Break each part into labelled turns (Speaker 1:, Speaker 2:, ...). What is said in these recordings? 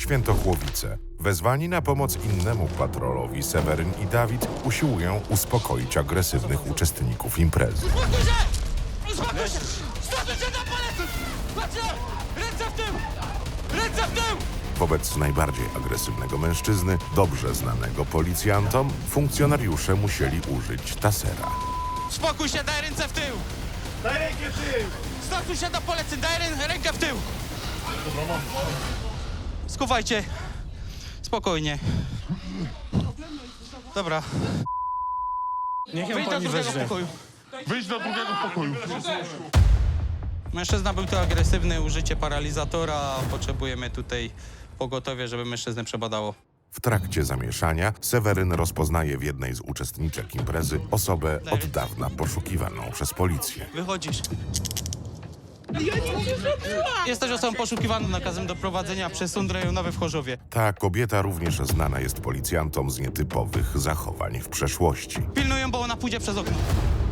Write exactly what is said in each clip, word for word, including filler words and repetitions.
Speaker 1: Świętochłowice. Wezwani na pomoc innemu patrolowi, Seweryn i Dawid usiłują uspokoić agresywnych uczestników imprezy.
Speaker 2: Uspokój się! Uspokój się! Stopy się na palec! Patrzcie! Ręce w tył! Ręce w tył!
Speaker 1: Wobec najbardziej agresywnego mężczyzny, dobrze znanego policjantom, funkcjonariusze musieli użyć tasera.
Speaker 2: Spokój się, daj ręce w tył!
Speaker 3: Daj rękę w tył!
Speaker 2: Stosuj się do poleceń, daj rę rękę w tył! Skuwajcie. Spokojnie. Dobra.
Speaker 4: Niech ją
Speaker 2: Wyjdź do
Speaker 4: pani
Speaker 2: drugiego
Speaker 4: weźmie.
Speaker 2: pokoju.
Speaker 3: Wyjdź do drugiego pokoju.
Speaker 2: Mężczyzna był tu agresywny, użycie paralizatora. Potrzebujemy tutaj pogotowie, żeby mężczyznę przebadało.
Speaker 1: W trakcie zamieszania Seweryn rozpoznaje w jednej z uczestniczek imprezy osobę od dawna poszukiwaną przez policję.
Speaker 2: Wychodzisz. Jesteś osobą poszukiwaną nakazem doprowadzenia przez sąd rejonowy w Chorzowie.
Speaker 1: Ta kobieta również znana jest policjantom z nietypowych zachowań w przeszłości.
Speaker 2: Pilnują, bo ona pójdzie przez okno.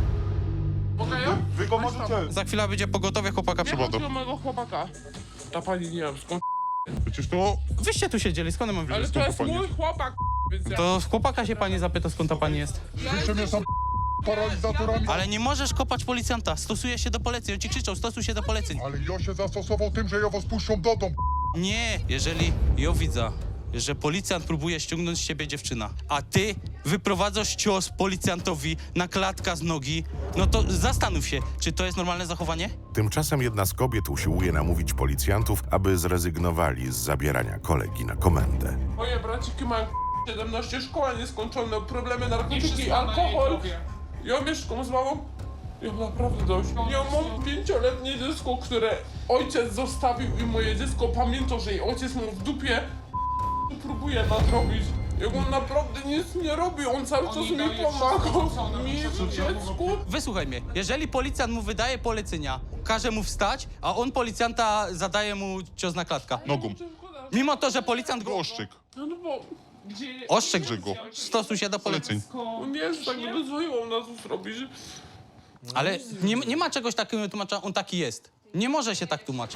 Speaker 3: Wy go możecie.
Speaker 2: Za chwilę będzie pogotowie, chłopaka
Speaker 5: Nie
Speaker 2: przebada.
Speaker 5: chodzi o mojego chłopaka. Ta pani nie wiem skąd.
Speaker 3: Przecież to...
Speaker 2: Wyście tu siedzieli, skąd mam
Speaker 5: Ale
Speaker 2: wiedzieć?
Speaker 5: to jest mój chłopak, więc ja...
Speaker 2: To chłopaka się pani zapyta, skąd ta pani jest.
Speaker 3: Wyście mnie są paralizatorami.
Speaker 2: Ale nie możesz kopać policjanta, stosuje się do poleceń. On ci krzyczał, stosuj się do poleceń.
Speaker 3: Ale ja się zastosował tym, że ja was puszczą do domu.
Speaker 2: Nie, jeżeli ja widzę, że policjant próbuje ściągnąć z ciebie dziewczyna, a ty wyprowadzasz cios policjantowi na klatka z nogi, no to zastanów się, czy to jest normalne zachowanie?
Speaker 1: Tymczasem jedna z kobiet usiłuje namówić policjantów, aby zrezygnowali z zabierania kolegi na komendę.
Speaker 5: Moje braciki mają siedemnaście szkoła nieskończone, problemy narkotyki, alkohol. Ja mieszkam z mamą. Ja mam naprawdę dość. Ja mam pięcioletnie dziecko, które ojciec zostawił i moje dziecko pamięta, że jej ojciec mu w dupie próbuje nadrobić. Jak on naprawdę nic nie robi, on cały czas mi pomaga. Mi, dziecku.
Speaker 2: Wysłuchaj mnie, jeżeli policjant mu wydaje polecenia, każe mu wstać, a on policjanta zadaje mu cios na klatka.
Speaker 3: Nogą.
Speaker 2: Mimo to, że policjant go
Speaker 3: Oszczyk.
Speaker 5: No bo... Gdzie...
Speaker 2: ostrzegł,
Speaker 3: go.
Speaker 2: stosuj się do poleceń.
Speaker 5: On jest tak, gdyby dzwonił na to zrobić.
Speaker 2: Ale nie, nie ma czegoś takiego tłumacza, on taki jest. Nie może się tak tłumaczyć.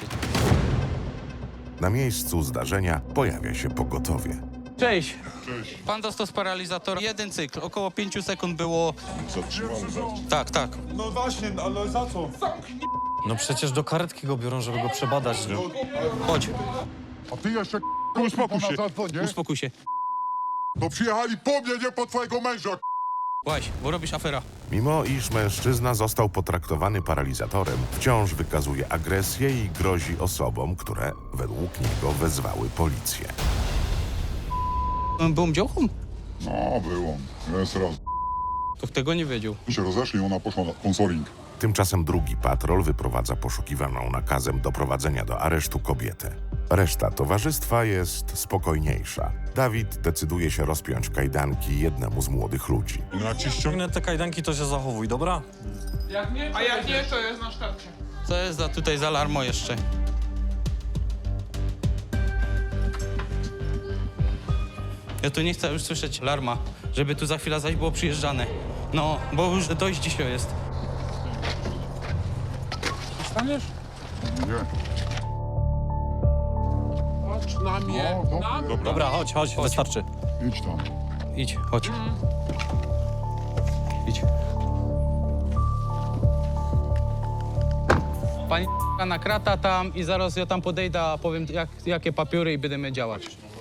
Speaker 1: Na miejscu zdarzenia pojawia się pogotowie.
Speaker 2: Cześć.
Speaker 3: Cześć.
Speaker 2: Pan dostał z paralizatora jeden cykl, około pięciu sekund było...
Speaker 3: Zatrzymamy was.
Speaker 2: Tak, tak.
Speaker 3: No właśnie, ale za co?
Speaker 4: No przecież do karetki go biorą, żeby go przebadać.
Speaker 2: Chodź,
Speaker 3: A ty jeszcze uspokój się. Zadzwonię.
Speaker 2: uspokój się.
Speaker 3: To przyjechali po mnie, nie po twojego męża.
Speaker 2: Łaź, bo robisz afera.
Speaker 1: Mimo iż mężczyzna został potraktowany paralizatorem, wciąż wykazuje agresję i grozi osobom, które według niego wezwały policję.
Speaker 2: Byłem działką?
Speaker 6: No, było. Jest raz.
Speaker 2: To tego nie wiedział.
Speaker 6: się rozeszli, ona poszła na sponsoring.
Speaker 1: Tymczasem drugi patrol wyprowadza poszukiwaną nakazem doprowadzenia do aresztu kobietę. Reszta towarzystwa jest spokojniejsza. Dawid decyduje się rozpiąć kajdanki jednemu z młodych ludzi.
Speaker 3: No jak ci ściągnę...
Speaker 4: Ściągnę te kajdanki, to się zachowuj, dobra?
Speaker 5: Jak nie, a jak nie, to jest na sztabcie.
Speaker 2: Co jest za tutaj za alarmo jeszcze? Ja tu nie chcę już słyszeć alarma, żeby tu za chwilę zaś było przyjeżdżane. No, bo już dość dzisiaj jest.
Speaker 5: Staniesz?
Speaker 6: Nie.
Speaker 5: Patrz na mnie.
Speaker 6: No,
Speaker 5: na
Speaker 6: dobra.
Speaker 5: mnie.
Speaker 4: Dobra, chodź, chodź, wystarczy.
Speaker 6: Idź tam.
Speaker 2: Idź, chodź. Idź. Pani na krata tam i zaraz ja tam podejdę, a powiem jak, jakie papiery i będziemy działać.